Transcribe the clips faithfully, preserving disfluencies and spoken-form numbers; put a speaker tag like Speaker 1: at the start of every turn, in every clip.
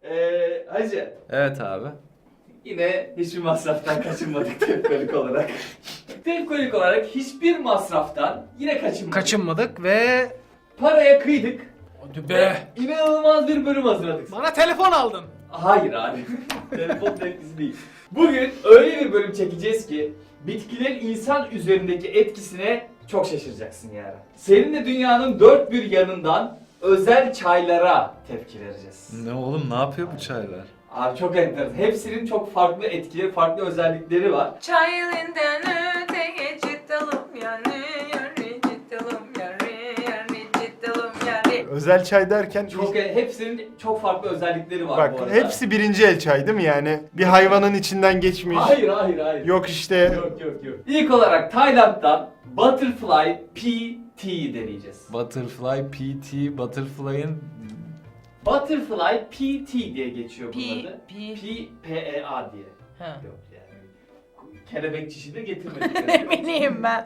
Speaker 1: Ee, Hacı,
Speaker 2: Evet abi.
Speaker 1: yine hiçbir masraftan kaçınmadık tepkolik olarak. Tepkolik olarak hiçbir masraftan yine kaçınmadık.
Speaker 3: Kaçınmadık ve...
Speaker 1: Paraya kıydık.
Speaker 3: Hadi
Speaker 1: Ve
Speaker 3: be.
Speaker 1: inanılmaz bir bölüm hazırladık.
Speaker 3: Bana telefon aldın.
Speaker 1: Hayır abi. Telefon tepkisi değil. Bugün öyle bir bölüm çekeceğiz ki bitkilerin insan üzerindeki etkisine çok şaşıracaksın yani. Seninle dünyanın dört bir yanından özel çaylara tepki vereceğiz.
Speaker 2: Ne oğlum, ne yapıyor bu çaylar?
Speaker 1: Abi çok enteresan. Hepsinin çok farklı etkileri, farklı özellikleri var.
Speaker 4: Çay elinden öteye çıtalım yani yarı çıtalım yarı yarı çıtalım yarı.
Speaker 5: Özel çay derken
Speaker 1: Çok hepsinin çok farklı özellikleri var
Speaker 5: bak
Speaker 1: bu arada.
Speaker 5: hepsi birinci el çay değil mi yani? Bir hayvanın içinden geçmiş.
Speaker 1: Hayır hayır hayır.
Speaker 5: Yok işte.
Speaker 1: Yok yok yok. İlk olarak Tayland'dan Butterfly P T'yi deneyeceğiz.
Speaker 2: Butterfly P T, Butterfly'ın...
Speaker 1: Butterfly P T diye geçiyor bunun
Speaker 4: P,
Speaker 1: adı.
Speaker 4: P.
Speaker 1: P, P, E, A diye.
Speaker 4: Ha.
Speaker 1: Yok yani. Kelebek çişi de getirmedik.
Speaker 4: Ne bileyim ben.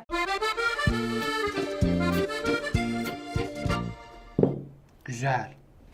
Speaker 3: Güzel.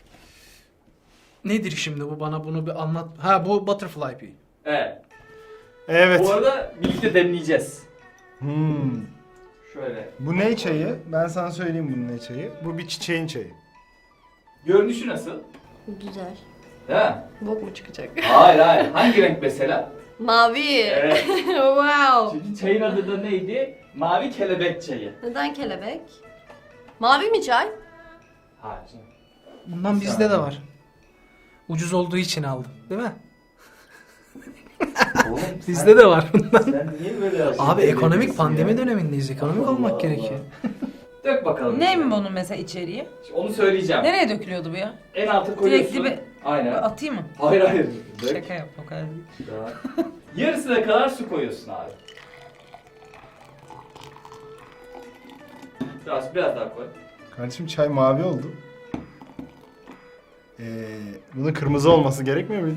Speaker 3: Nedir şimdi bu, bana bunu bir anlat. Ha, bu Butterfly Pea.
Speaker 1: Evet.
Speaker 5: Evet.
Speaker 1: Bu arada birlikte demleyeceğiz.
Speaker 5: Hmm.
Speaker 1: Şöyle.
Speaker 5: Bu ne çayı? Ben sana söyleyeyim bunun ne çayı. Bu bir çiçeğin çayı.
Speaker 1: Görünüşü nasıl?
Speaker 6: Güzel.
Speaker 1: Değil mi?
Speaker 6: Bok mu çıkacak?
Speaker 1: Hayır hayır. Hangi renk mesela?
Speaker 6: Mavi.
Speaker 1: Evet.
Speaker 6: Wow.
Speaker 1: Çünkü çayın adı da neydi? Mavi kelebek çayı.
Speaker 6: Neden kelebek? Mavi mi çay?
Speaker 1: Hayır canım.
Speaker 3: Bundan bizde de var. Ucuz olduğu için aldım, değil mi?
Speaker 1: Oğlum,
Speaker 3: Bizde de var bundan.
Speaker 1: Sen niye böyle aşırı
Speaker 3: Abi ekonomik
Speaker 1: belirliyorsun
Speaker 3: pandemi
Speaker 1: ya?
Speaker 3: dönemindeyiz. Ekonomik
Speaker 1: Allah
Speaker 3: olmak
Speaker 1: Allah.
Speaker 3: gerekiyor.
Speaker 1: Dök bakalım.
Speaker 4: Ne mi bunun mesela içeriği?
Speaker 1: Onu söyleyeceğim.
Speaker 4: Nereye dökülüyordu bu ya?
Speaker 1: En alta koyuyorsun.
Speaker 4: Direkt dibe-
Speaker 1: Aynen.
Speaker 4: Atayım mı?
Speaker 1: Hayır hayır. Dök.
Speaker 4: Şaka yap o kadar değil.
Speaker 1: Daha. Yarısına kadar su koyuyorsun abi. Biraz biraz daha koy.
Speaker 5: Kardeşim çay mavi oldu. Ee, bunun kırmızı olması gerekmiyor muydu?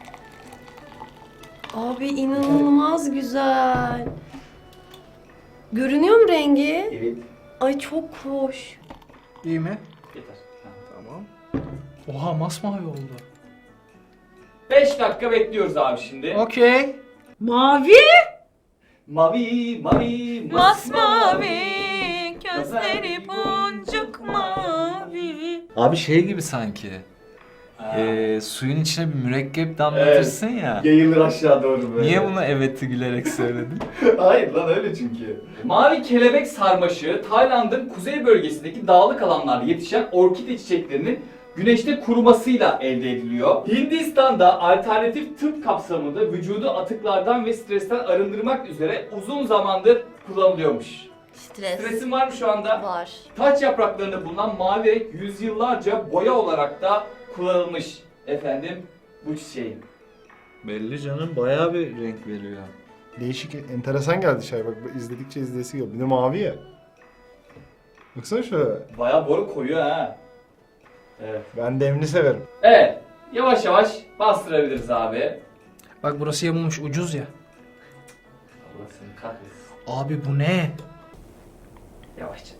Speaker 6: Abi inanılmaz güzel. Görünüyor mu rengi?
Speaker 1: Evet.
Speaker 6: Ay çok hoş.
Speaker 3: İyi mi?
Speaker 1: Yeter.
Speaker 3: Tamam. Oha, masmavi oldu.
Speaker 1: beş dakika bekliyoruz abi şimdi.
Speaker 3: Okey.
Speaker 4: Mavi.
Speaker 1: Mavi mavi
Speaker 4: Masmavi. Gözleri boncuk mavi.
Speaker 2: Abi şey gibi sanki.
Speaker 1: Ha.
Speaker 2: Ee, suyun içine bir mürekkep damlatırsın ya.
Speaker 1: Yayılır aşağı doğru böyle.
Speaker 2: Niye bunu evet'i gülerek söyledin?
Speaker 1: Hayır lan öyle çünkü. Mavi kelebek sarmaşığı Tayland'ın kuzey bölgesindeki dağlık alanlarda yetişen orkide çiçeklerinin güneşte kurumasıyla elde ediliyor. Hindistan'da alternatif tıp kapsamında vücudu atıklardan ve stresten arındırmak üzere uzun zamandır kullanılıyormuş.
Speaker 6: Stres.
Speaker 1: Stresin var mı şu anda?
Speaker 6: Var.
Speaker 1: Taç yapraklarında bulunan mavi renk yüzyıllarca boya olarak da kullanılmış efendim bu çiçeğin.
Speaker 2: Belli canım, bayağı bir renk veriyor.
Speaker 5: Değişik, enteresan geldi çay bak izledikçe izleyesi geliyor. Bir de mavi ya. Baksana şöyle.
Speaker 1: Bayağı boru koyuyor ha. Evet.
Speaker 5: Ben demli severim.
Speaker 1: Evet. Yavaş yavaş bastırabiliriz abi.
Speaker 3: Bak burası yamulmuş, ucuz ya.
Speaker 1: Allah seni kahretsin.
Speaker 3: Abi bu ne?
Speaker 1: Yavaşça.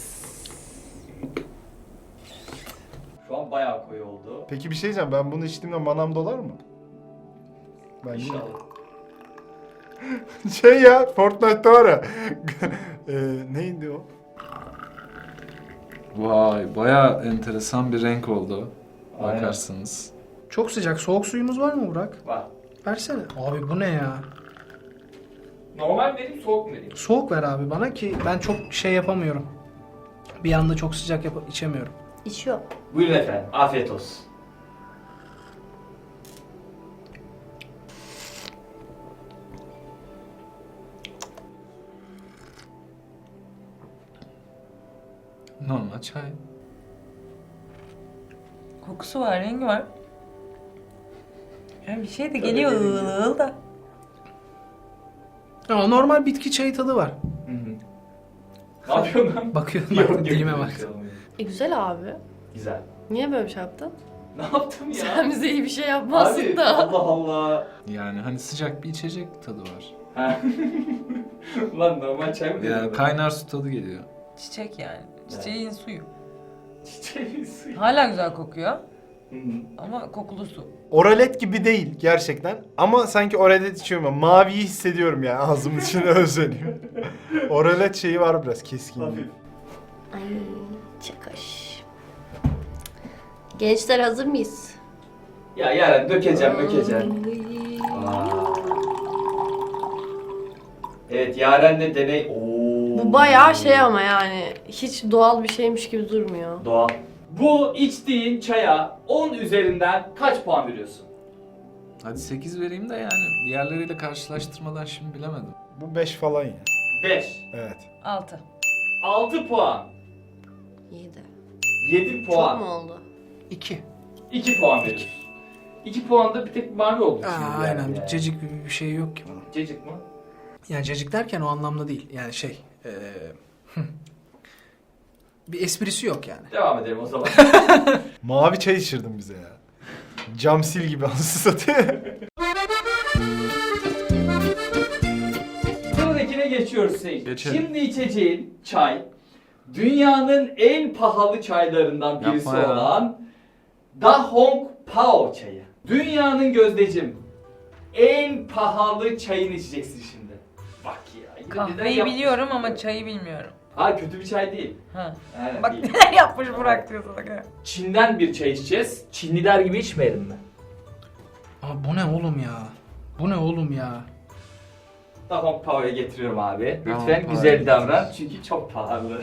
Speaker 1: Şu an bayağı koyu oldu.
Speaker 5: Peki bir şey diyeceğim, ben bunu içtiğimde manam dolar mı? Ben
Speaker 1: İnşallah.
Speaker 5: Şey ya, Fortnite'da var ya. e, neydi o?
Speaker 2: Vay, bayağı enteresan bir renk oldu.
Speaker 1: Aynen.
Speaker 2: Bakarsınız.
Speaker 3: Çok sıcak. Soğuk suyumuz var mı Burak?
Speaker 1: Var.
Speaker 3: Versene. Abi bu ne ya?
Speaker 1: Normal vereyim, soğuk mu vereyim?
Speaker 3: Soğuk ver abi bana ki ben çok şey yapamıyorum. Bir anda çok sıcak yap içemiyorum.
Speaker 6: İçiyor.
Speaker 1: Buyurun efendim. Afiyet olsun.
Speaker 2: Normal çay.
Speaker 4: Kokusu var, rengi var. Yani bir şey de geliyor ığıl ığıl da.
Speaker 3: Ama normal bitki çayı tadı var.
Speaker 1: Hı hı. Ne yapıyorsun lan?
Speaker 3: Bakıyorum
Speaker 1: Yok,
Speaker 3: bak,
Speaker 1: yok,
Speaker 3: dilime
Speaker 1: yok,
Speaker 3: bak.
Speaker 1: yok.
Speaker 6: E güzel abi.
Speaker 1: Güzel.
Speaker 6: Niye böyle bir şey yaptın?
Speaker 1: Ne yaptım ya?
Speaker 6: Sen bize iyi bir şey yapmazsın
Speaker 1: Abi,
Speaker 6: da.
Speaker 1: Allah Allah.
Speaker 2: Yani hani sıcak bir içecek tadı var.
Speaker 1: Ha. Lan normal çay mı
Speaker 2: Yani
Speaker 1: dedim?
Speaker 2: kaynar su tadı geliyor.
Speaker 4: Çiçek yani. Çiçeğin suyu.
Speaker 1: Çiçeğin suyu.
Speaker 4: Hala güzel kokuyor.
Speaker 1: Hı hı.
Speaker 4: Ama kokulu su.
Speaker 5: Oralet gibi değil gerçekten. Ama sanki oralet içiyorum ben. Maviyi hissediyorum yani ağzımın içinde özleniyor. Oralet şeyi var biraz keskin.
Speaker 1: Hafif.
Speaker 6: Ay çakaş. Gençler hazır mıyız?
Speaker 1: Ya Yaren dökeceğim dökeceğim.
Speaker 6: Ay.
Speaker 1: Evet Yaren'le deney. Oo.
Speaker 6: Bu bayağı şey ama yani hiç doğal bir şeymiş gibi durmuyor.
Speaker 1: Doğal. Bu içtiğin çaya on üzerinden kaç puan veriyorsun?
Speaker 2: Hadi sekiz vereyim de yani diğerleriyle karşılaştırmadan şimdi bilemedim.
Speaker 5: Bu beş falan ya.
Speaker 1: beş.
Speaker 5: Evet.
Speaker 4: Altı.
Speaker 1: altı puan.
Speaker 6: Yedi.
Speaker 1: yedi
Speaker 6: Çok
Speaker 1: puan.
Speaker 6: mu oldu?
Speaker 3: İki.
Speaker 1: iki puan veriyorsun. iki puanda bir tek mavi oldu
Speaker 3: Aa,
Speaker 1: şimdi.
Speaker 3: aynen.
Speaker 1: yani.
Speaker 3: Bir cacık bir, bir şey yok ki bunun.
Speaker 1: Cacık mı?
Speaker 3: Yani cacık derken o anlamda değil. Yani şey... eee, bir esprisi yok yani.
Speaker 1: Devam edelim o zaman.
Speaker 5: Mavi çay içirdin bize ya. Cam sil gibi anasını satayım.
Speaker 1: Sıradakine geçiyoruz Seyit.
Speaker 2: Geçelim.
Speaker 1: Şimdi içeceğin çay dünyanın en pahalı çaylarından birisi
Speaker 2: Yapma ya.
Speaker 1: olan Da Hong Pao çayı. Dünyanın gözdecim en pahalı çayını içeceksin şimdi. Bak ya. yine neden
Speaker 4: Kahveyi
Speaker 1: yapmış?
Speaker 4: biliyorum ama çayı bilmiyorum.
Speaker 1: Hayır kötü bir çay değil.
Speaker 4: Ha.
Speaker 1: Aynen
Speaker 4: Bak
Speaker 1: değil.
Speaker 4: neler yapmış Burak diyor sana.
Speaker 1: Çin'den bir çay içeceğiz. Çinliler gibi içmeyelim mi?
Speaker 3: Aa, bu ne oğlum ya? Bu ne oğlum ya?
Speaker 1: Da Hong Pao'ya getiriyorum abi.
Speaker 2: Da Hong
Speaker 1: Lütfen
Speaker 2: Pao'ya
Speaker 1: güzel
Speaker 2: getir.
Speaker 1: davran çünkü çok pahalı.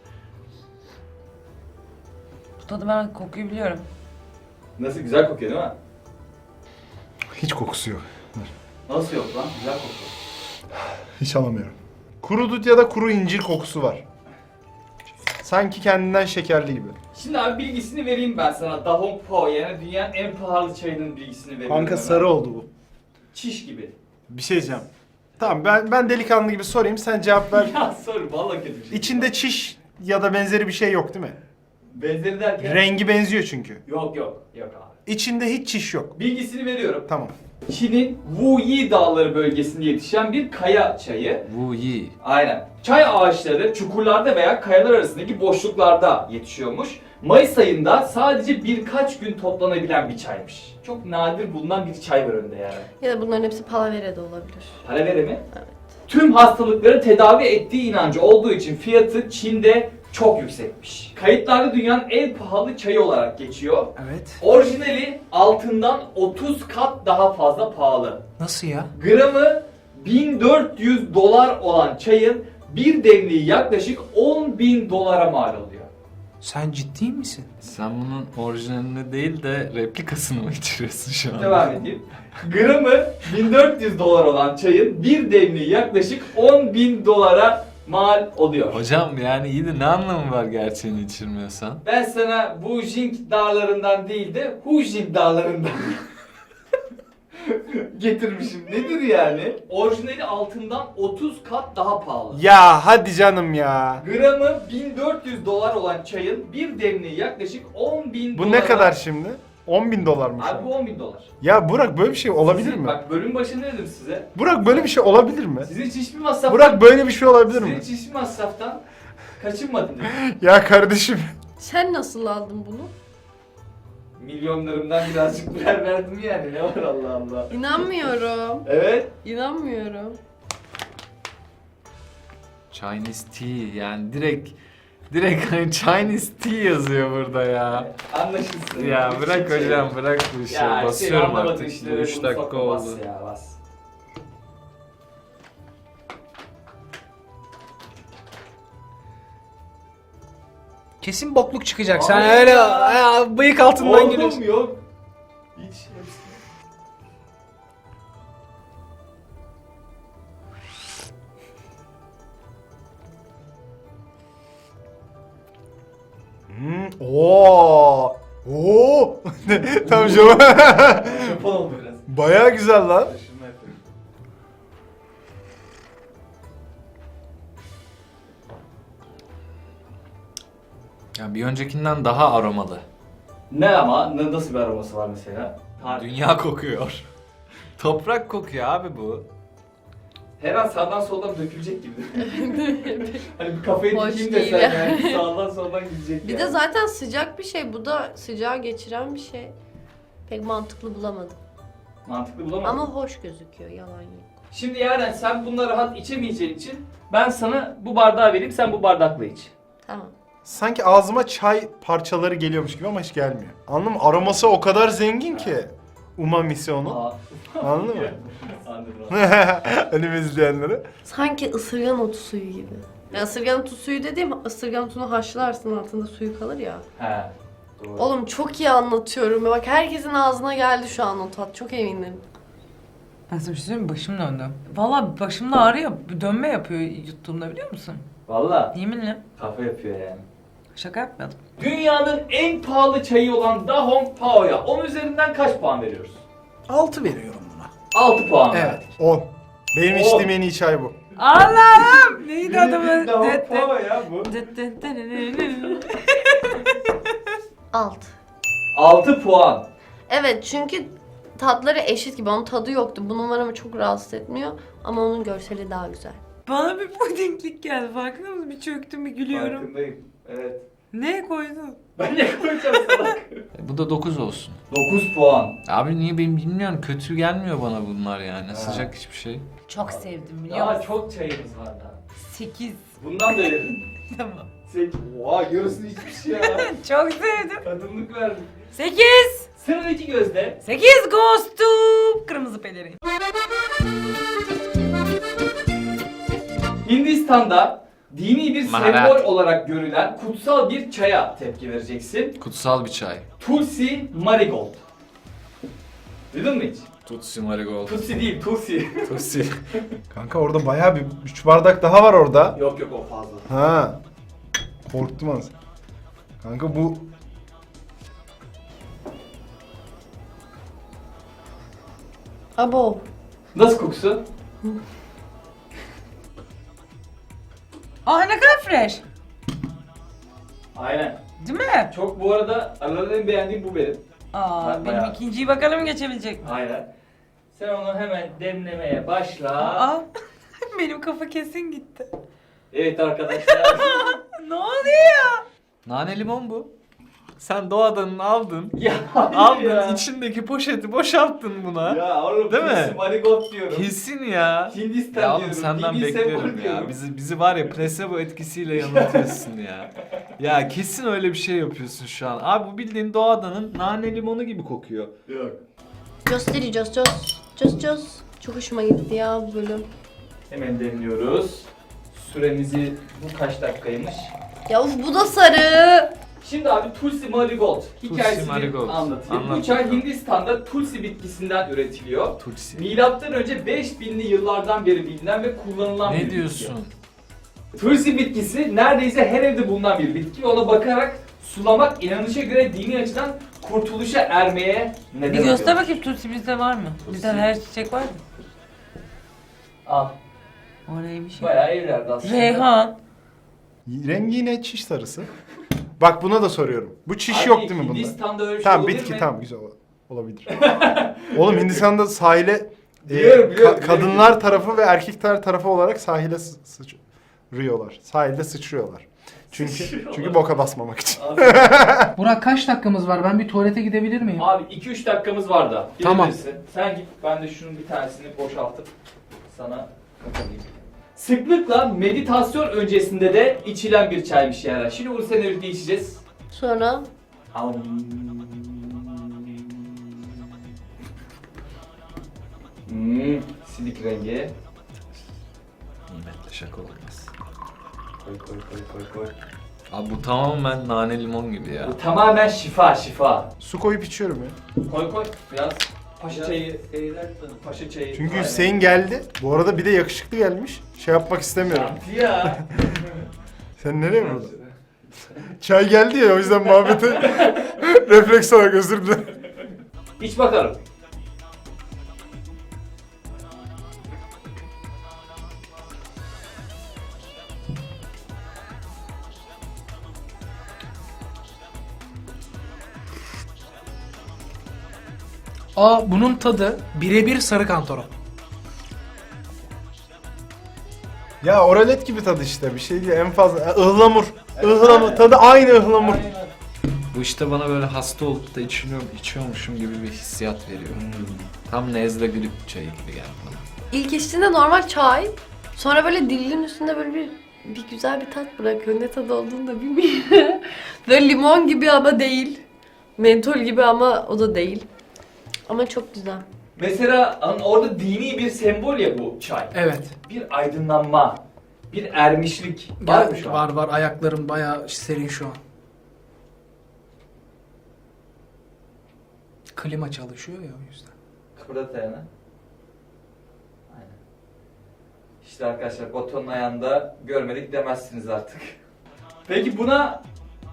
Speaker 4: Bu tadı ben kokuyu biliyorum.
Speaker 1: Nasıl güzel kokuyor değil mi?
Speaker 5: Hiç kokusu yok.
Speaker 1: Nasıl yok lan? Güzel kokuyor.
Speaker 5: Hiç alamıyorum. Kuru dut ya da kuru incir kokusu var. Sanki kendinden şekerli gibi.
Speaker 1: Şimdi abi bilgisini vereyim ben sana. Da Hong Pao yani dünyanın en pahalı çayının bilgisini veriyorum.
Speaker 5: Kanka
Speaker 1: hemen.
Speaker 5: sarı oldu bu.
Speaker 1: Çiş gibi.
Speaker 5: Bir şey diyeceğim. Tamam ben ben delikanlı gibi sorayım sen cevap ver.
Speaker 1: Ya sor vallahi kötü bir şey.
Speaker 5: İçinde çiş ya da benzeri bir şey yok değil mi?
Speaker 1: Benzeri derken.
Speaker 5: Rengi benziyor çünkü.
Speaker 1: Yok yok. Yok abi.
Speaker 5: İçinde hiç çiş yok.
Speaker 1: Bilgisini veriyorum.
Speaker 5: Tamam.
Speaker 1: Çin'in Wuyi Dağları bölgesinde yetişen bir kaya çayı.
Speaker 2: Wu Yi.
Speaker 1: Aynen. Çay ağaçları çukurlarda veya kayalar arasındaki boşluklarda yetişiyormuş. Mayıs ayında sadece birkaç gün toplanabilen bir çaymış. Çok nadir bulunan bir çay var önünde yani.
Speaker 6: Ya da bunların hepsi palavere de olabilir.
Speaker 1: Palavere mi?
Speaker 6: Evet.
Speaker 1: Tüm hastalıkları tedavi ettiği inancı olduğu için fiyatı Çin'de çok yüksekmiş. Kayıtlarda dünyanın en pahalı çayı olarak geçiyor.
Speaker 3: Evet.
Speaker 1: Orijinali altından otuz kat daha fazla pahalı.
Speaker 3: Nasıl ya?
Speaker 1: Gramı bin dört yüz dolar olan çayın bir demliği yaklaşık on bin dolara mal oluyor.
Speaker 3: Sen ciddi misin?
Speaker 2: Sen bunun orijinalini değil de replikasını mı içiriyorsun şu an?
Speaker 1: Devam edeyim. Gramı bin dört yüz dolar olan çayın bir demliği yaklaşık on bin dolara mal oluyor.
Speaker 2: Hocam yani iyi de ne anlamı var gerçeğini içirmiyorsan?
Speaker 1: Ben sana bu Jing dağlarından değil de Hujing dağlarından getirmişim. Nedir yani? Orijinali altından otuz kat daha pahalı.
Speaker 5: Ya hadi canım ya.
Speaker 1: Gramı bin dört yüz dolar olan çayın bir demliği yaklaşık on bin
Speaker 5: Bu
Speaker 1: dolara...
Speaker 5: ne kadar şimdi? on bin dolar mı şu
Speaker 1: Abi
Speaker 5: an?
Speaker 1: bu on bin dolar.
Speaker 5: Ya Burak böyle bir şey olabilir
Speaker 1: Sizin-
Speaker 5: mi?
Speaker 1: Bak bölüm başında dedim size.
Speaker 5: Burak böyle bir şey olabilir mi?
Speaker 1: Sizin hiç hiçbir masraftan...
Speaker 5: Burak böyle bir şey olabilir
Speaker 1: Sizin
Speaker 5: mi?
Speaker 1: hiç hiçbir masraftan kaçınmadın dedim.
Speaker 5: Ya kardeşim.
Speaker 6: Sen nasıl aldın bunu?
Speaker 1: Milyonlarımdan birazcık birer verdim yani. Ne var Allah Allah.
Speaker 6: İnanmıyorum.
Speaker 1: Evet.
Speaker 6: İnanmıyorum.
Speaker 2: Chinese tea yani direkt direkt hani Chinese tea yazıyor burada ya.
Speaker 1: Anlaşılsın.
Speaker 2: Ya
Speaker 1: Hiç
Speaker 2: bırak
Speaker 1: şey-
Speaker 2: hocam bırak bu işi.
Speaker 1: Ya senin
Speaker 2: Basıyorum
Speaker 1: anlamadığın
Speaker 2: artık.
Speaker 1: işlere
Speaker 2: üç
Speaker 1: bunu
Speaker 2: dakika
Speaker 1: sokma,
Speaker 2: oldu.
Speaker 1: bas ya bas.
Speaker 3: Kesin bokluk çıkacak. Sen
Speaker 1: Hayır
Speaker 3: öyle
Speaker 1: ya.
Speaker 3: ya, bıyık altından
Speaker 1: Oğlum
Speaker 3: geliyorsun.
Speaker 1: yok. Hiç hepsi.
Speaker 5: Hmm, oo. Oo. Tamam canım.
Speaker 1: Japon oldu biraz.
Speaker 5: Bayağı güzel lan.
Speaker 1: Taşınma yapıyorum.
Speaker 2: Ya bir öncekinden daha aromalı.
Speaker 1: Ne ama? Ne, nasıl bir aroması var mesela? Har-
Speaker 2: Dünya kokuyor. Toprak kokuyor abi bu.
Speaker 1: Her an sağdan soldan dökülecek gibi. Hani bir kafayı
Speaker 6: Hoş
Speaker 1: dikeyim
Speaker 6: değil
Speaker 1: desen
Speaker 6: yani.
Speaker 1: yani sağdan soldan gidecek
Speaker 6: Bir
Speaker 1: yani.
Speaker 6: de zaten sıcak bir şey. Bu da sıcağı geçiren bir şey. Pek mantıklı bulamadım.
Speaker 1: Mantıklı bulamadım.
Speaker 6: Ama hoş gözüküyor. Yalan yok.
Speaker 1: Şimdi Yaren sen bunları rahat içemeyeceğin için ben sana bu bardağı vereyim, sen bu bardakla iç.
Speaker 6: Tamam.
Speaker 5: Sanki ağzıma çay parçaları geliyormuş gibi ama hiç gelmiyor. Anladın mı? Aroması o kadar zengin ki. Umamisi onun.
Speaker 1: Aa.
Speaker 5: Anladın mı?
Speaker 1: Anladım.
Speaker 5: Önümü izleyenlere.
Speaker 6: Sanki ısırgan otu suyu gibi. Ya ısırgan otu suyu dediğim ısırgan otunu haşlarsın altında suyu kalır ya.
Speaker 1: He. Doğru.
Speaker 6: Oğlum çok iyi anlatıyorum. Bak herkesin ağzına geldi şu an o tat. Çok eminim.
Speaker 4: Ben sana bir şey söyleyeyim mi? Başım döndü. Valla başımda ağrıyor. Dönme yapıyor yuttuğumda biliyor musun?
Speaker 1: Valla
Speaker 4: Yeminle.
Speaker 1: kafa yapıyor yani.
Speaker 4: Şaka yapmadım.
Speaker 1: Dünyanın en pahalı çayı olan Dahong Pao'ya on üzerinden kaç puan veriyoruz?
Speaker 3: altı veriyorum buna.
Speaker 1: altı puan.
Speaker 3: Evet.
Speaker 5: on. Benim
Speaker 1: On.
Speaker 5: içtiğim en iyi çay bu.
Speaker 4: Allah'ım! Neydi adamın?
Speaker 1: Dahong Pao ya bu.
Speaker 6: Alt.
Speaker 1: altı puan.
Speaker 6: Evet çünkü tatları eşit gibi. Onun tadı yoktu. Bu numaramı çok rahatsız etmiyor. Ama onun görseli daha güzel.
Speaker 4: Bana bir pudinglik geldi. Farkında mısın? Bir çöktüm bir gülüyorum.
Speaker 1: Farkındayım. Evet.
Speaker 4: Ne koydun?
Speaker 1: Ben ne koyacağım salak?
Speaker 2: E, bu da dokuz olsun.
Speaker 1: dokuz puan.
Speaker 2: Abi niye ben bilmiyorum, kötü gelmiyor bana bunlar yani.
Speaker 1: Ha.
Speaker 2: Sıcak hiçbir şey.
Speaker 4: Çok sevdim biliyor
Speaker 1: Daha
Speaker 4: musun?
Speaker 1: çok çayımız var daha.
Speaker 4: sekiz.
Speaker 1: Bundan da verin.
Speaker 4: Tamam.
Speaker 1: Sekiz. Oha yarısını içmiş ya.
Speaker 4: Çok sevdim.
Speaker 1: Tadımlık verdik.
Speaker 4: sekiz.
Speaker 1: Sıradaki gözde.
Speaker 4: sekiz goes to kırmızı pelerin.
Speaker 1: Hindistan'da dini bir
Speaker 2: Maharat.
Speaker 1: sembol olarak görülen kutsal bir çaya tepki vereceksin.
Speaker 2: Kutsal bir çay.
Speaker 1: Tulsi Marigold. Duydun mu hiç?
Speaker 2: Tutsi Marigold.
Speaker 1: Tutsi değil, Tulsi.
Speaker 2: Tutsi.
Speaker 5: Kanka orada bayağı bir üç bardak daha var orada.
Speaker 1: yok yok o fazla.
Speaker 5: Ha. Korktum az. Kanka bu
Speaker 6: Abo.
Speaker 1: Nasıl kokusu?
Speaker 4: Aa ne kadar fresh.
Speaker 1: Aynen.
Speaker 4: Değil mi?
Speaker 1: Çok bu arada aralarında en beğendiğim bu benim.
Speaker 4: Aa
Speaker 1: Ben
Speaker 4: benim
Speaker 1: bayağı-
Speaker 4: ikinciyi bakalım geçebilecek mi?
Speaker 1: Aynen. Sen onu hemen demlemeye başla.
Speaker 4: Aa benim kafa kesin gitti.
Speaker 1: Evet arkadaşlar.
Speaker 4: Ne oluyor?
Speaker 2: Nane limon bu. Sen doğadan aldın.
Speaker 1: ya hayır
Speaker 2: Aldın
Speaker 1: ya.
Speaker 2: içindeki poşeti boşalttın buna.
Speaker 1: Ya oğlum
Speaker 2: Değil mi?
Speaker 1: Tulsi Marigold diyorum.
Speaker 2: Kesin ya.
Speaker 1: Hindistan
Speaker 2: Ya oğlum
Speaker 1: diyorum.
Speaker 2: senden
Speaker 1: dini sembol
Speaker 2: beklerim ya.
Speaker 1: diyorum.
Speaker 2: Bizi bizi var ya placebo etkisiyle yanıltıyorsun ya. Ya kesin öyle bir şey yapıyorsun şu an. Abi bu bildiğin doğadanın nane limonu gibi kokuyor.
Speaker 1: Yok.
Speaker 6: Gösteri cos cos. Cos cos. Çok hoşuma gitti ya bu bölüm.
Speaker 1: Hemen demliyoruz. Süremizi bu kaç dakikaymış?
Speaker 6: Ya uf bu da sarı.
Speaker 1: Şimdi abi Tulsi Marigold hikayesini
Speaker 2: Marigold.
Speaker 1: anlatayım.
Speaker 2: Anlat
Speaker 1: Bu çay
Speaker 2: bakalım.
Speaker 1: Hindistan'da Tulsi bitkisinden üretiliyor.
Speaker 2: Tutsi.
Speaker 1: Milattan önce beş binli yıllardan beri bilinen ve kullanılan bir
Speaker 2: Ne
Speaker 1: bitki.
Speaker 2: diyorsun?
Speaker 1: Tulsi bitkisi neredeyse her evde bulunan bir bitki ve ona bakarak sulamak inanışa göre dini açıdan kurtuluşa ermeye neden
Speaker 4: Bir
Speaker 1: oluyor.
Speaker 4: göster bakayım Tutsi bizde var mı?
Speaker 1: Tutsi.
Speaker 4: Bizde her çiçek var mı?
Speaker 1: Al.
Speaker 4: O neymiş ya?
Speaker 1: Bayağı evlerde aslında.
Speaker 4: Reyhan.
Speaker 5: rengi yine çiş sarısı. Bak buna da soruyorum. Bu çiş
Speaker 1: Abi,
Speaker 5: yok değil mi bunda?
Speaker 1: Hindistan'da öyle şey
Speaker 5: Tamam
Speaker 1: olabilir
Speaker 5: bitki
Speaker 1: mi?
Speaker 5: tamam güzel ol- olabilir. Oğlum Hindistan'da sahile e,
Speaker 1: Biliyorum, biliyorum,
Speaker 5: ka-
Speaker 1: biliyorum.
Speaker 5: kadınlar tarafı ve erkekler tarafı olarak sahile sı- sıçrıyorlar. Sahilde sıçrıyorlar. Çünkü
Speaker 1: Sıçrıyorlar.
Speaker 5: çünkü boka basmamak için.
Speaker 3: Burak kaç dakikamız var? Ben bir tuvalete gidebilir miyim?
Speaker 1: Abi iki üç dakikamız var da.
Speaker 3: Tamam.
Speaker 1: Gidebilirsin. Sen git, ben de şunun bir tanesini boşaltıp sana kapalayayım. Sıklıkla meditasyon öncesinde de içilen bir çaymış yani. Şimdi bunu seninle birlikte içeceğiz.
Speaker 6: Sonra
Speaker 1: Am. Hmm, silik rengi.
Speaker 2: Nimetle şaka olmaz.
Speaker 1: Koy koy koy koy koy.
Speaker 2: Abi bu tamamen nane limon gibi ya.
Speaker 1: Bu tamamen şifa şifa.
Speaker 5: Su koyup içiyorum ya.
Speaker 1: Koy koy biraz paşa çayı. Paşa çayı.
Speaker 5: Çünkü
Speaker 1: Aynen.
Speaker 5: Hüseyin geldi. Bu arada bir de yakışıklı gelmiş. Şey yapmak istemiyorum.
Speaker 1: Şanti ya.
Speaker 5: Sen nereye burada? Çay geldi ya o yüzden muhabbeti refleks olarak özür dilerim.
Speaker 1: İç bakalım.
Speaker 3: Aa bunun tadı birebir sarı kantaron.
Speaker 5: Ya oralet gibi tadı işte bir şey değil en fazla. E, ıhlamur. Ihlamur. Tadı aynı ıhlamur.
Speaker 1: Aynen.
Speaker 2: Bu işte bana böyle hasta olup da içiyorum, içiyormuşum gibi bir hissiyat veriyor. Tam nezle grip çayı gibi geldi bana.
Speaker 6: İlk içtiğinde normal çay. Sonra böyle dilinin üstünde böyle bir bir güzel bir tat bırakıyor. Ne tadı olduğunu da bilmiyorum. Böyle limon gibi ama değil. Mentol gibi ama o da değil. Ama çok güzel.
Speaker 1: Mesela hani orada dini bir sembol ya bu çay.
Speaker 3: Evet.
Speaker 1: Bir aydınlanma, bir ermişlik var mı
Speaker 3: Gel,
Speaker 1: şu an?
Speaker 3: var var ayaklarım bayağı serin şu an. Klima çalışıyor ya o yüzden.
Speaker 1: Kıpırdat ayağını. Aynen. İşte arkadaşlar Batuhan'ın ayağında görmedik demezsiniz artık. Peki buna...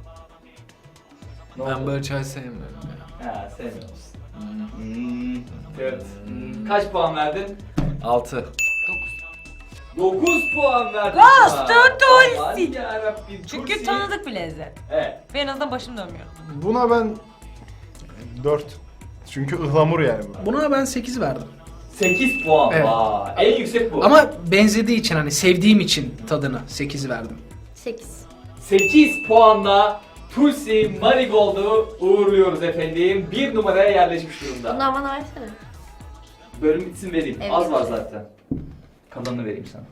Speaker 1: Ne
Speaker 2: Ben
Speaker 1: oldu?
Speaker 2: böyle çay sevmiyorum ya.
Speaker 1: Ha, sevmiyor musun?
Speaker 2: Hmm.
Speaker 1: Hmm, evet. Hmm, Kaç puan verdin?
Speaker 2: Altı.
Speaker 1: dokuz puan verdin.
Speaker 4: Ghost
Speaker 1: buna.
Speaker 4: Tulsi.
Speaker 1: Aman yarabbim,
Speaker 4: Çünkü
Speaker 1: Tulsi.
Speaker 4: tanıdık bir lezzet.
Speaker 1: Evet.
Speaker 4: Ve en azından başım dönmüyor.
Speaker 5: Buna ben dört. Çünkü ıhlamur yani bu.
Speaker 3: Buna ben sekiz verdim.
Speaker 1: sekiz puan.
Speaker 3: Evet.
Speaker 1: Vay. En yüksek bu.
Speaker 3: Ama benzediği için hani sevdiğim için tadını sekiz verdim.
Speaker 6: sekiz.
Speaker 1: sekiz puanla Tulsi Marigold'u uğurluyoruz efendim. Bir numaraya yerleşmiş durumda.
Speaker 6: Bundan bana versene.
Speaker 1: Bölüm bitsin vereyim.
Speaker 6: Evet.
Speaker 1: Az var zaten. Kalanını vereyim sana.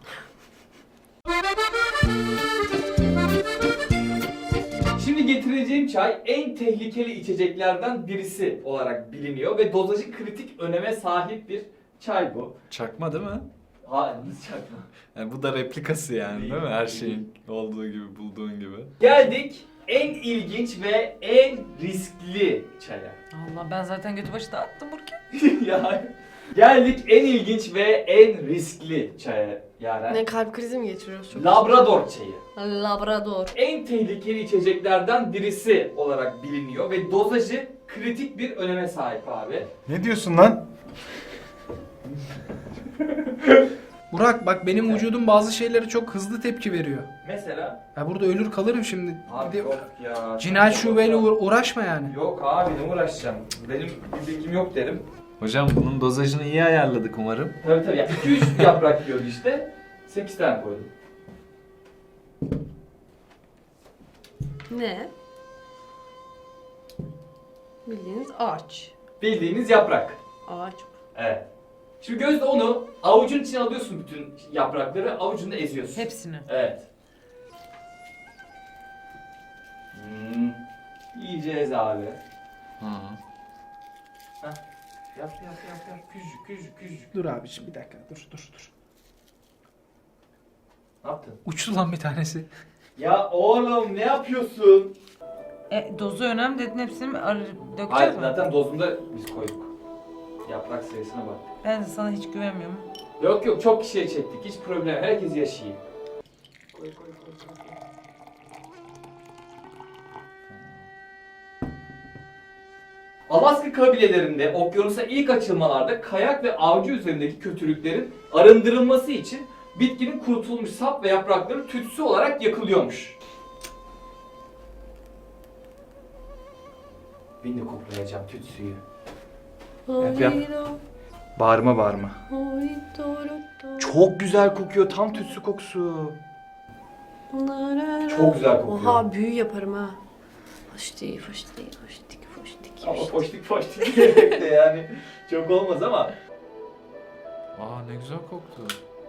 Speaker 1: Şimdi getireceğim çay en tehlikeli içeceklerden birisi olarak biliniyor ve dozajı kritik öneme sahip bir çay bu.
Speaker 2: Çakma değil mi?
Speaker 1: Ha, nasıl çakma?
Speaker 2: Yani bu da replikası yani değil mi? Her şeyin olduğu gibi, bulduğun gibi.
Speaker 1: Geldik en ilginç ve en riskli çaya.
Speaker 4: Allah ben zaten götü başı dağıttım Burki.
Speaker 1: ya geldik en ilginç ve en riskli çaya Yaren.
Speaker 6: Ne kalp krizi mi geçiriyoruz çok?
Speaker 1: Labrador çayı.
Speaker 6: Labrador.
Speaker 1: En tehlikeli içeceklerden birisi olarak biliniyor ve dozajı kritik bir öneme sahip abi.
Speaker 5: Ne diyorsun lan?
Speaker 3: Burak bak benim vücudum bazı şeylere çok hızlı tepki veriyor.
Speaker 1: Mesela
Speaker 3: Ya burada ölür kalırım şimdi.
Speaker 1: abi
Speaker 3: Bir de
Speaker 1: yok ya.
Speaker 3: cinayet
Speaker 1: çok
Speaker 3: şubeyle
Speaker 1: yok.
Speaker 3: uğra- uğraşma yani.
Speaker 1: Yok abi ne uğraşacağım. Benim bir bilgim yok derim.
Speaker 2: Hocam bunun dozajını iyi ayarladık umarım.
Speaker 1: Tabii tabii. Yani iki üç yaprak diyordu işte. sekiz tane koydum.
Speaker 6: Ne? Bildiğiniz ağaç.
Speaker 1: Bildiğiniz yaprak.
Speaker 6: Ağaç.
Speaker 1: Evet. Şimdi Gözde onu avucun içine alıyorsun bütün yaprakları, avucunda eziyorsun.
Speaker 4: Hepsini.
Speaker 1: Evet. Hmm. Yiyeceğiz abi.
Speaker 2: Hı.
Speaker 1: Yap yap yap yap. Küçücük küçücük küçücük.
Speaker 3: Dur abiciğim bir dakika dur dur dur.
Speaker 1: Ne yaptın?
Speaker 3: Uçtu lan bir tanesi.
Speaker 1: Ya oğlum ne yapıyorsun?
Speaker 4: E, dozu önemli dedin hepsini mi ar- dökeceğiz
Speaker 1: Hayır
Speaker 4: mi?
Speaker 1: zaten dozunda biz koyduk. Yaprak sayısına bak.
Speaker 4: Ben de sana hiç güvenmiyorum.
Speaker 1: Yok yok çok kişiye çektik. Hiç problem. Herkes yaşayayım. Koy koy koy koy. koy. Alaska kabilelerinde okyanusa ilk açılmalarda kayak ve avcı üzerindeki kötülüklerin arındırılması için bitkinin kurutulmuş sap ve yaprakları tütsü olarak yakılıyormuş. Ben de koklayacağım tütsüyü. Yap, yap. Bağırma bağırma. Çok güzel kokuyor. Tam tütsü kokusu. Çok güzel kokuyor.
Speaker 6: Oha büyü yaparım ha. Foştik foştik foştik foştik.
Speaker 1: Ama poştik poştik diyerek de yani çok olmaz ama.
Speaker 2: Aa ne güzel koktu.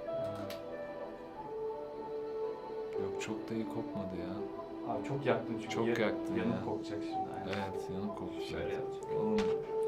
Speaker 2: Yok çok da iyi kokmadı ya.
Speaker 1: Abi çok yaktın çünkü.
Speaker 2: Çok
Speaker 1: yan-
Speaker 2: yaktın
Speaker 1: Yanıp
Speaker 2: ya.
Speaker 1: kokacak şimdi. Aynen.
Speaker 2: Evet yanık koktu.
Speaker 1: Şöyle yapacağım.
Speaker 2: Oğlum.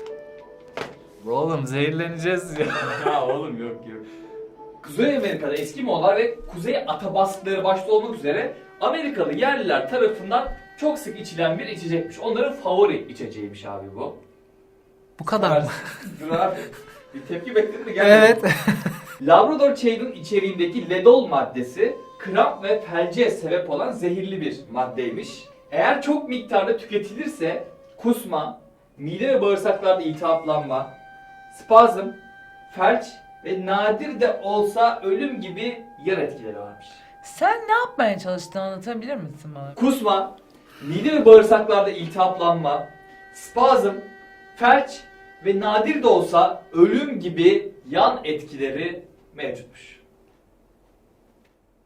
Speaker 2: Oğlum zehirleneceğiz ya.
Speaker 1: Ya oğlum yok yok. Kuzey Amerika'da Eskimolar ve Kuzey Atabaskları başta olmak üzere Amerikalı yerliler tarafından çok sık içilen bir içecekmiş. Onların favori içeceğiymiş abi bu.
Speaker 3: Bu kadar mı?
Speaker 1: Dur abi. Bir tepki bekledin mi? Gelmedi.
Speaker 3: Evet.
Speaker 1: Labrador çayının içeriğindeki ledol maddesi kramp ve felce sebep olan zehirli bir maddeymiş. Eğer çok miktarda tüketilirse kusma, mide ve bağırsaklarda iltihaplanma, spazm, felç ve nadir de olsa ölüm gibi yan etkileri varmış.
Speaker 4: Sen ne yapmaya çalıştığını anlatabilir misin bana?
Speaker 1: Kusma, mide ve bağırsaklarda iltihaplanma, spazm, felç ve nadir de olsa ölüm gibi yan etkileri mevcutmuş.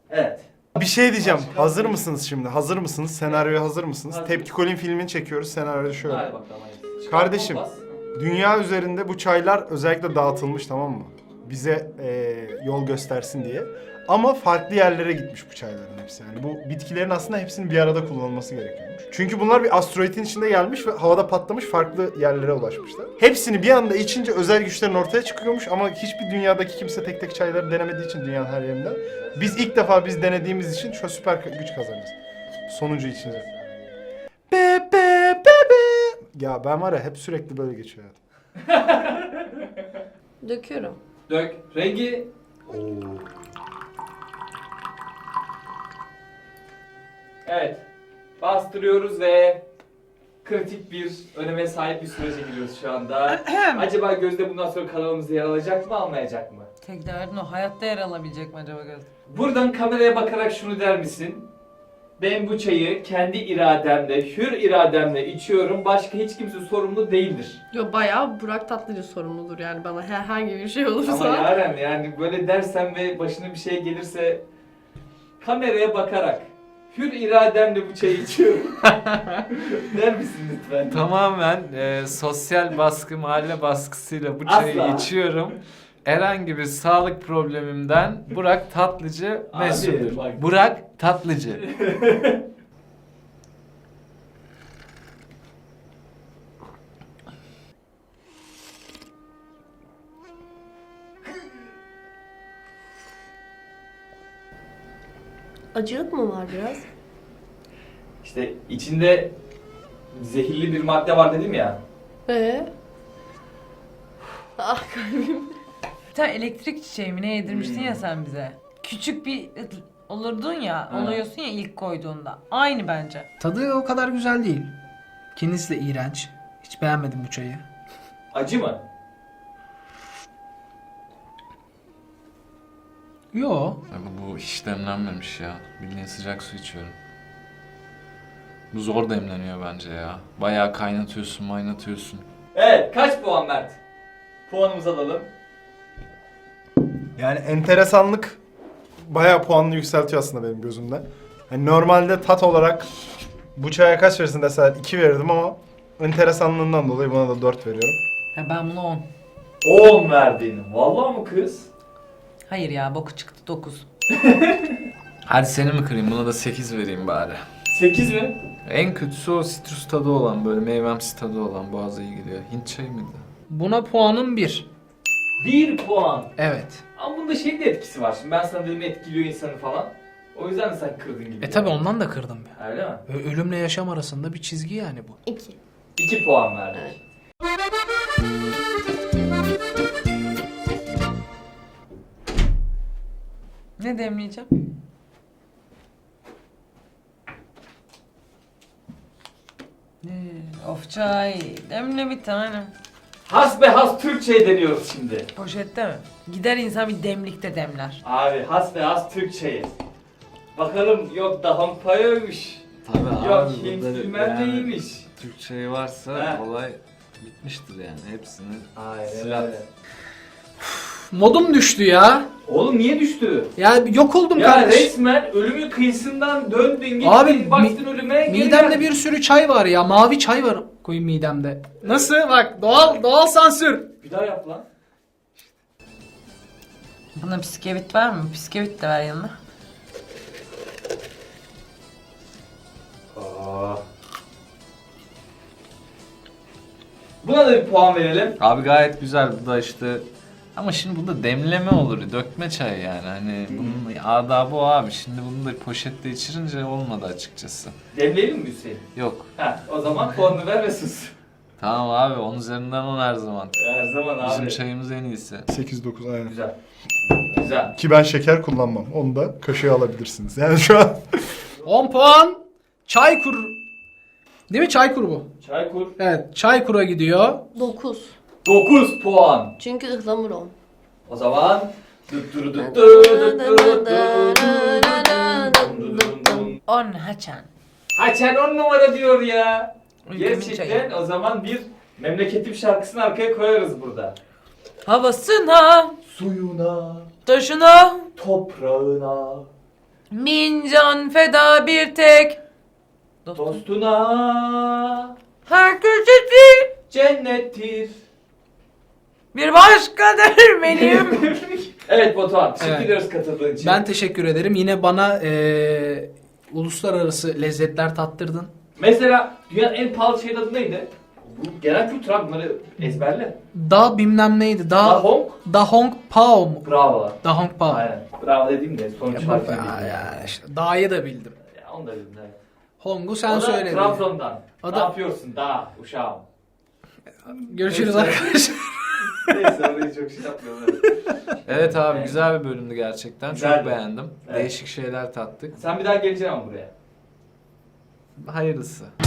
Speaker 1: Evet.
Speaker 5: Bir şey diyeceğim.
Speaker 1: Başka-
Speaker 5: Hazır mısınız şimdi? Hazır mısınız? Senaryoya hazır mısınız?
Speaker 1: Hazır.
Speaker 5: Tepki Kolin filmini çekiyoruz. Senaryo şöyle.
Speaker 1: Hadi bakalım. hadi. Çıkar,
Speaker 5: Kardeşim.
Speaker 1: kompas.
Speaker 5: Dünya üzerinde bu çaylar özellikle dağıtılmış, tamam mı? Bize eee, yol göstersin diye. Ama farklı yerlere gitmiş bu çayların hepsi. Yani bu bitkilerin aslında hepsinin bir arada kullanılması gerekiyormuş. Çünkü bunlar bir asteroidin içinde gelmiş ve havada patlamış, farklı yerlere ulaşmışlar. Hepsini bir anda içince özel güçlerin ortaya çıkıyormuş ama hiçbir dünyadaki kimse tek tek çayları denemediği için dünyanın her yerinden. Biz ilk defa biz denediğimiz için şu süper güç kazanacağız. Sonuncu içince. Be be be be. Ya ben var ya hep sürekli böyle geçiyor hayatım.
Speaker 6: Döküyorum.
Speaker 1: Dök. Rengi. Evet. Bastırıyoruz ve kritik bir öneme sahip bir sürece giriyoruz şu anda. Acaba Gözde bundan sonra kanalımızda yer alacak mı, almayacak mı?
Speaker 4: Tek derdin o. Hayatta yer alabilecek mi acaba Gözde?
Speaker 1: Buradan kameraya bakarak şunu der misin? Ben bu çayı kendi irademle, hür irademle içiyorum. Başka hiç kimse sorumlu değildir.
Speaker 6: Yo bayağı Burak Tatlıcı sorumludur yani bana herhangi bir şey olursa.
Speaker 1: Ama Yaren yani böyle dersen ve başına bir şey gelirse kameraya bakarak hür irademle bu çayı içiyorum. Der misin lütfen?
Speaker 2: Tamamen e, sosyal baskı, mahalle baskısıyla bu çayı
Speaker 1: Asla.
Speaker 2: içiyorum. Herhangi bir sağlık problemimden Burak Tatlıcı
Speaker 1: Abi,
Speaker 2: mesuldür.
Speaker 1: bak.
Speaker 2: Burak Tatlıcı.
Speaker 6: Acılık mı var biraz?
Speaker 1: İşte içinde zehirli bir madde var dedim ya.
Speaker 6: Ee? Ah kalbim.
Speaker 4: Bir tane elektrik çiçeği mi ne yedirmiştin
Speaker 1: Hmm.
Speaker 4: ya sen bize. Küçük bir olurdun ya,
Speaker 1: Ha.
Speaker 4: oluyorsun ya ilk koyduğunda. Aynı bence.
Speaker 3: Tadı o kadar güzel değil. Kendisi de iğrenç. Hiç beğenmedim bu çayı.
Speaker 1: Acı mı?
Speaker 3: Yo.
Speaker 2: Abi bu hiç demlenmemiş ya. Bildiğin sıcak su içiyorum. Bu zor demleniyor bence ya. Bayağı kaynatıyorsun, maynatıyorsun.
Speaker 1: Evet, kaç puan Mert? Puanımızı alalım.
Speaker 5: Yani enteresanlık bayağı puanını yükseltiyor aslında benim gözümde. Hani normalde tat olarak bu çaya kaç verirsin deseler iki verirdim ama enteresanlığından dolayı buna da dört veriyorum.
Speaker 4: Ya ben buna on.
Speaker 1: on verdin. Vallahi mı kız?
Speaker 4: Hayır ya boku çıktı dokuz.
Speaker 2: Hadi seni mi kırayım? Buna da sekiz vereyim bari.
Speaker 1: sekiz mi?
Speaker 2: En kötüsü o sitrus tadı olan, böyle meyvemsi tadı olan, boğaza iyi gidiyor. Hint çayı mıydı?
Speaker 3: Buna puanım bir.
Speaker 1: bir puan.
Speaker 3: Evet.
Speaker 1: Ama bunda şeyin de etkisi var. Şimdi ben sana dedim etkiliyor insanı falan. O yüzden de sen kırdın gibi.
Speaker 3: E tabi ondan da kırdım ya.
Speaker 1: Öyle mi?
Speaker 3: Ö- Ölümle yaşam arasında bir çizgi yani bu.
Speaker 6: İki.
Speaker 1: iki puan verdik.
Speaker 6: Evet.
Speaker 4: Ne demleyeceğim? Ne? Of çay. Demle bir tane.
Speaker 1: Hasbehas Türkçe'ye deniyoruz şimdi.
Speaker 4: Poşette mi? Gider insan bir demlikte demler.
Speaker 1: Abi hasbehas Türkçe'ye. Bakalım yok Dahampaya'ymış.
Speaker 2: Tabii
Speaker 1: Yok Hint bilmem neymiş.
Speaker 2: Türkçeyi varsa
Speaker 1: He.
Speaker 2: olay bitmiştir yani. Hepsini
Speaker 1: Aynen
Speaker 2: silah.
Speaker 1: öyle.
Speaker 3: Modum düştü ya.
Speaker 1: Oğlum niye düştü?
Speaker 3: Ya yok oldum
Speaker 1: Ya
Speaker 3: kardeş.
Speaker 1: resmen ölümün kıyısından döndün gittin
Speaker 3: Abi,
Speaker 1: baktın ölüme geri
Speaker 3: Midemde
Speaker 1: geldin.
Speaker 3: bir sürü çay var ya. Mavi çay var. Koyayım midemde. Nasıl? Bak doğal doğal sansür.
Speaker 1: Bir daha yap lan.
Speaker 4: Buna bisküvit var mı? Bisküvit de ver yanına.
Speaker 1: Aa. Buna da bir puan verelim.
Speaker 2: Abi gayet güzel, bu da işte ama şimdi bunda demleme olur, dökme çay yani. Hani bunun adabı o abi. Şimdi bunu da poşette içirince olmadı açıkçası.
Speaker 1: Demleyelim mi Hüseyin?
Speaker 2: Yok.
Speaker 1: Ha, o zaman puanını ver ve sus.
Speaker 2: Tamam abi, on üzerinden on her zaman.
Speaker 1: Her zaman abi.
Speaker 2: Bizim çayımız en iyisi.
Speaker 5: sekiz dokuz aynen.
Speaker 1: Güzel. Güzel.
Speaker 5: Ki ben şeker kullanmam. Onu da kaşığa alabilirsiniz. Yani şu an
Speaker 3: on puan. Çaykur. Değil mi Çaykur bu?
Speaker 1: Çaykur.
Speaker 3: Evet Çaykur'a gidiyor.
Speaker 6: Dokuz.
Speaker 1: dokuz puan.
Speaker 6: Çünkü ıhlamur on.
Speaker 1: O zaman Düttürü düttü düttürü
Speaker 4: On haçan.
Speaker 1: Haçan on numara diyor ya.
Speaker 4: Ülkemin
Speaker 1: Gerçekten
Speaker 4: çayı.
Speaker 1: o zaman bir memleketim şarkısını arkaya koyarız burada.
Speaker 4: Havasına,
Speaker 1: Suyuna,
Speaker 4: taşına,
Speaker 1: toprağına,
Speaker 4: Bin can feda bir tek.
Speaker 1: Dostuna
Speaker 4: Her köşesi
Speaker 1: cennettir.
Speaker 4: bir başkadır benim.
Speaker 1: Evet Batuhan, teşekkür
Speaker 3: Evet.
Speaker 1: ediyoruz katıldığın için.
Speaker 3: Ben teşekkür ederim. Yine bana eee, uluslararası lezzetler tattırdın.
Speaker 1: Mesela dünyanın en pahalı şehir adı neydi? Bu genel kültür abi, bunları ezberle.
Speaker 3: Da bilmem neydi. Da
Speaker 1: Dahong.
Speaker 3: Dahong Pao mu?
Speaker 1: Bravo.
Speaker 3: Dahong Pao.
Speaker 1: Aynen. Bravo dediğim de sonuç
Speaker 3: Ya,
Speaker 1: harfini
Speaker 3: ya,
Speaker 1: bildim.
Speaker 3: ya işte Da'yı da bildim.
Speaker 1: Ya onu da bildim. Evet.
Speaker 3: Hong'u sen
Speaker 1: O da
Speaker 3: söyledin.
Speaker 1: Trabzon'dan.
Speaker 3: O
Speaker 1: Ne
Speaker 3: da-
Speaker 1: yapıyorsun daha uşağım?
Speaker 3: Görüşürüz
Speaker 1: Neyse.
Speaker 3: arkadaşlar.
Speaker 1: Neyse orayı çok şey yapmıyorum. Evet.
Speaker 2: Evet abi güzel bir bölümdü gerçekten.
Speaker 1: Güzeldi.
Speaker 2: Çok beğendim.
Speaker 1: Evet.
Speaker 2: Değişik şeyler tattık.
Speaker 1: Sen bir daha geleceksin ama buraya.
Speaker 2: Hayırlısı.